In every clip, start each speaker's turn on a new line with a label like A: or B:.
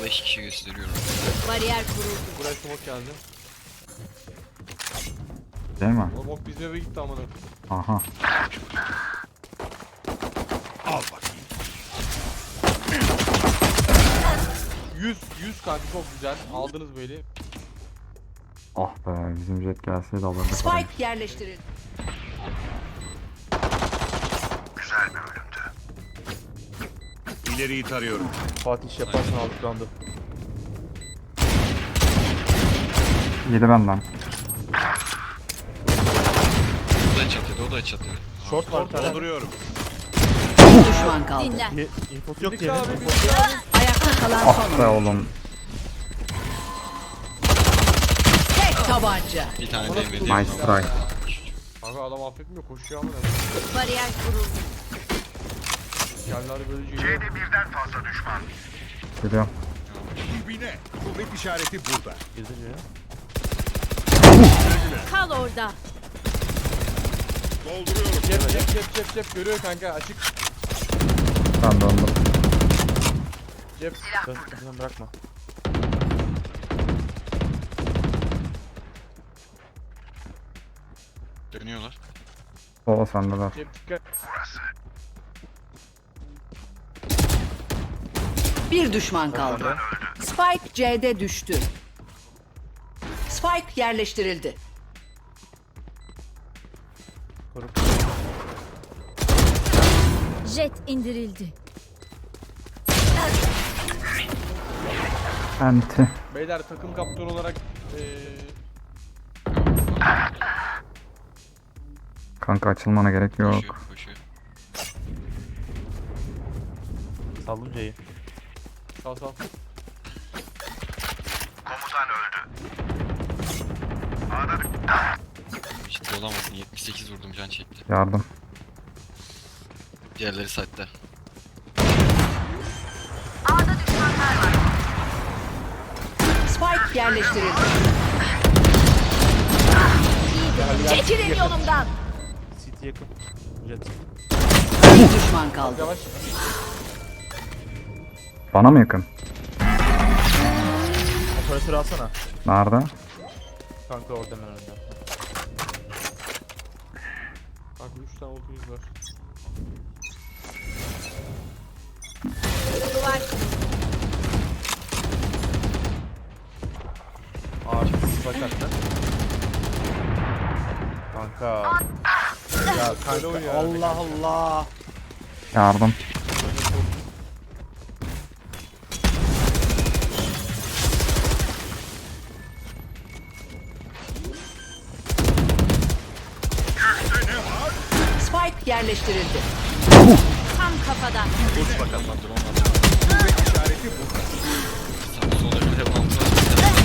A: 5 kişi gösteriyorum.
B: Bariyer kuruldu.
C: Buraya smoke geldi.
D: Değil mi?
C: O bok bizim eve gitti amına.
D: Aha.
E: Al bakayım.
C: 100 kanka çok güzel. Aldınız böyle.
D: Ah be, bizim jet gelseydi alırdık. orayı.
B: Spike yerleştirildi.
E: Güzel bir ölümdü. İleriyi tarıyorum.
F: Fatih iş yaparsan aldık roundu.
D: Yedi benden.
A: O da çatıyordu, o da çatıyor.
F: Short var bir tane.
E: Dolduruyorum.
B: Bir düşman kaldı. Dinlen.
F: Infosu yok
C: Dikkat
F: diye.
C: abi,
B: Ayakta kalan
D: Ah
B: son
D: be
B: oyuncu.
D: oğlum.
B: Tek tabanca.
A: Bir tane
C: Bana
A: değmedi.
C: tutuldu.
D: Nice try.
C: Kanka adam affetmiyor koşuyor amına.
B: Bariyer kuruldu.
C: Yerler böylece yiyor.
E: C'de birden fazla düşman.
D: Geliyorum.
E: Dibine. Kuvvet işareti burada.
F: Girdi ya.
B: Kal orada.
E: Dolduruyorum.
C: Cep görüyor kanka açık.
D: Ben döndüm.
C: Cep.
F: Sen bırakma.
A: Dönüyorlar.
D: Sola sendeler.
C: Cep dikkat.
B: Bir düşman kaldı. Spike C'de düştü. Spike yerleştirildi.
G: Jet indirildi.
D: Enti.
C: Beyler takım kaptanı olarak
D: Kanka açılmana gerek
A: Koşuyor,
D: yok.
A: koşuyor.
F: Saldım C'yi.
C: sal.
E: Komutan öldü. A'da
A: Ciddi olamazsın. 78 vurdum, can çekti.
D: Yardım.
A: Diğerleri site'de.
B: Spike yerleştirildi. Çekilin yolumdan.
F: City yakın. Jet.
B: Bir düşman kaldı.
C: Yavaş.
D: Bana mı yakın?
F: Operatörü alsana.
D: Nerede?
F: Kanka orada hemen önünde.
C: Kanka 3 tane 30 var.
F: Ağır spike attı. Kanka. Ya
C: Öyle oynuyor
F: kanka
C: yani.
F: Allah Allah.
D: Yardım.
B: Spike yerleştirildi. Tam kafadan.
A: Uç bakalım lan, drone var.
E: kuvvet işareti burada.
A: Sağ sola bir de bantı var.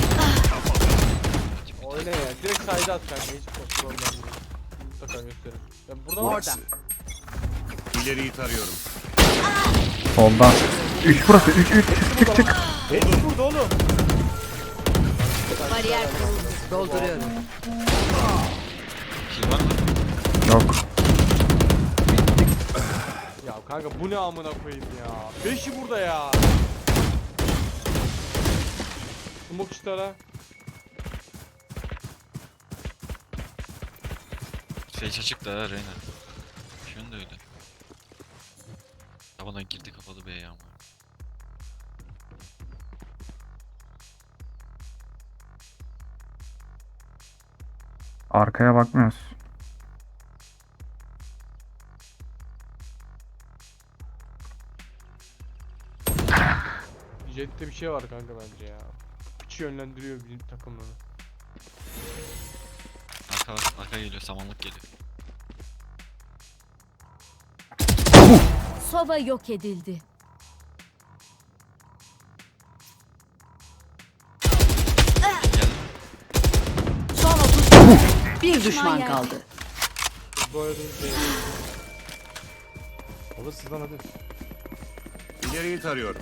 C: Oyna ya. Direkt side'a at kanka. Hiç problem değil. Mutlaka gösterir. Ya burada var.
B: Orada.
E: İleriyi tarıyorum.
D: Solda. 3 burası. 3. Çık.
F: Hepsi burada oğlum.
B: Bariyer kuruldu. Dolduruyorum.
A: Kill var mı?
D: Yok.
C: Ya kanka bu ne amına koyayım ya. 5'i burada ya. Smoke işte ara.
A: Sage açık da ha Reyna. Şunu da öyle. Tabadan girdi, kapalı B'ye ama.
D: Arkaya bakmıyoruz.
C: Jet'te bir şey var kanka bence ya. Piç yönlendiriyor bizim takımları.
A: Arka var, arka geliyor, samanlık geliyor.
G: Sova yok edildi.
A: Geldi.
B: Son 30. Bir düşman
G: yerde.
B: kaldı.
C: Bu arada şey.
F: Olur sizden hadi.
E: İleriyi tarıyorum.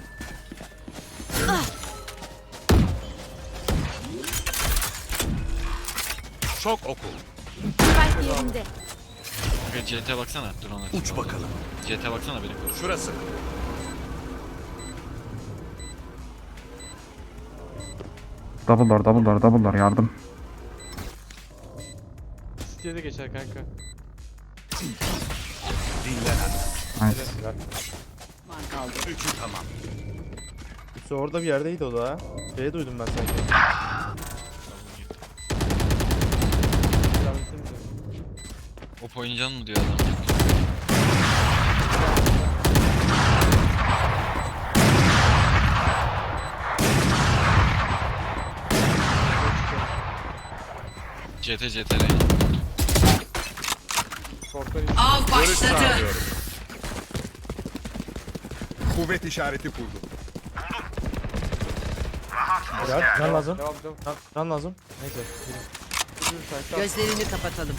E: Şok oku.
G: Spike yerinde.
A: Kanka CT baksana, drone açık.
E: Uç
A: oldu.
E: bakalım.
A: CT baksana, beni koru.
E: Şurası.
D: Double door yardım.
C: City'ye de geçer kanka.
E: Dinlenen.
D: Nice.
B: Düşman kaldı.
E: Üçü tamam.
F: Üstü orada bir yerdeydi o da ha. Şey duydum ben sanki.
C: Devam etsenize.
A: Op oynayacaksın mı diyor adam. CT Reyna.
C: Short'tan in.
B: Av
E: Görüş
B: başladı.
E: sağlıyorum. Kuvvet işareti kurdum.
F: Helal. Can lazım.
C: Devam.
F: Can lazım. Neyse.
C: Yürü sen, tamam.
B: Gözlerini kapatalım.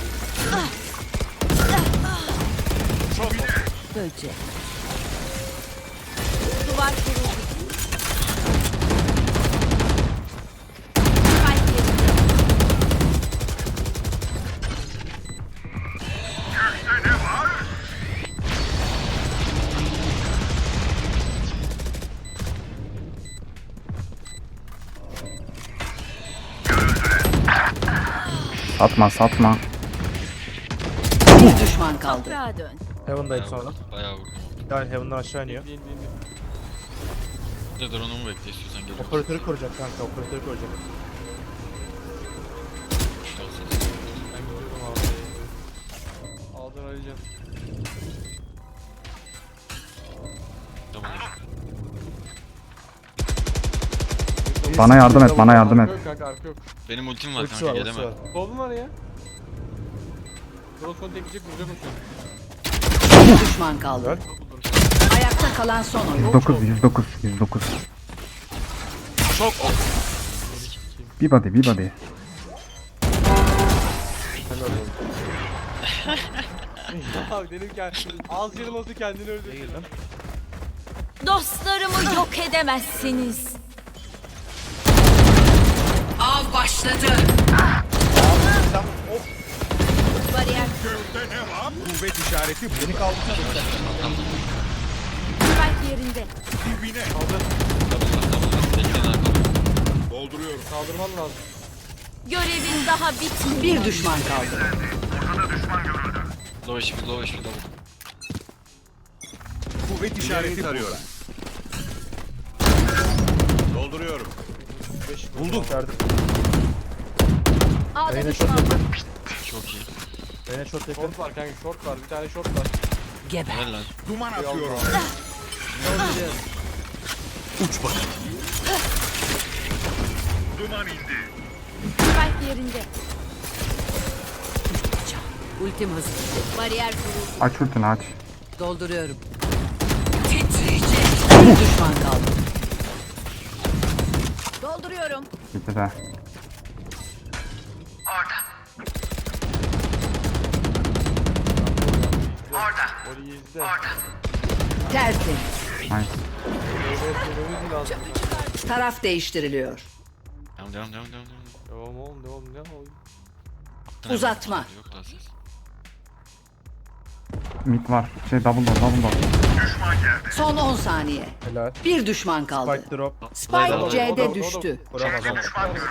B: Böcek.
G: Duvar kuruldu. Spike yerinde.
D: Satma.
B: Bir düşman kaldı.
G: Toprağa dön.
F: Heaven'dayım sonra.
A: Bayağı vurdum.
F: Yani Heaven'dan aşağı iniyor.
C: İn.
A: Bir de drone'umu bekle istiyorsan geliyorum.
F: Operatörü koruyacak kanka. Operatörü koruyacak.
C: Ben gidiyorum abi. Aldın Alican.
A: Tamam.
D: Bana yardım et, bana yardım et.
C: Arka yok kanka, arka yok.
A: Benim ultim var
F: Ultisi
A: kanka
F: var, ultisi
A: gelemem.
F: var.
C: Solun var ya. Cross'unu tekleyecek, vuracak o şu an.
B: Bir düşman kaldı.
F: Helal.
B: Ayakta kalan son oyun.
D: 109.
E: Çok oku.
D: Bir body.
F: Helal olsun.
C: Ya dedim ki az canım olsa kendini öldür.
F: Girdim.
G: Dostlarımı yok edemezsiniz.
B: Av başladı.
G: Bariyer
E: Gökte ne var? Kuvvet işareti
F: Beni kaldı.
G: spike yerinde.
E: dibine.
A: Bekleyin arkada.
E: Dolduruyorum.
C: Kaldırman lazım.
G: Görevin daha bitmedi.
B: Bir düşman kaldı.
A: Low HP low.
E: Kuvvet işareti arıyorum. Dolduruyorum. Buldum.
F: Verdim.
G: A'da
F: Reyna
G: düşman
F: short
G: var.
F: yakın.
A: Çok iyi.
F: Reyna short yakın.
C: Short var kanka, short var. Bir tane short var.
B: Geber.
A: Helal lan.
E: Duman atıyorum. Uç bakayım. Duman indi.
G: Spike yerinde.
B: Ultim hazır.
G: Bariyer kuruldu.
D: Aç ultini aç.
B: Dolduruyorum. Titriyecek. Bir düşman kaldı.
G: Dolduruyorum.
D: Bitti de.
C: Oli izle.
B: Tertemiz.
D: Nice.
C: Öyle lazım.
B: Taraf değiştiriliyor.
A: Devam.
C: Devam oğlum, devam.
B: Uzatma.
A: Yok daha ses.
D: Mid var. Double door.
B: Son 10 saniye.
F: Helal.
B: Bir düşman kaldı.
F: Spike drop.
B: Spike C'de
C: O da-
B: düştü.
F: Vuramaz ama.
A: Vuramadım.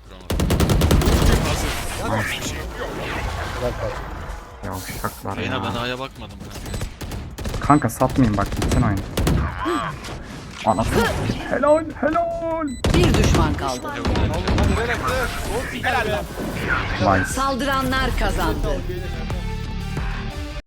F: Helal kaç.
D: Yavşaklar
A: Reyna ben
D: ya.
A: A'ya bakmadım kanka.
D: Kanka satmayın bak bitsin oyun. Anasını. Helal.
B: Bir düşman kaldı.
C: Hadi Renek, Renek.
D: Vay.
B: Saldıranlar kazandı.
C: Gelir.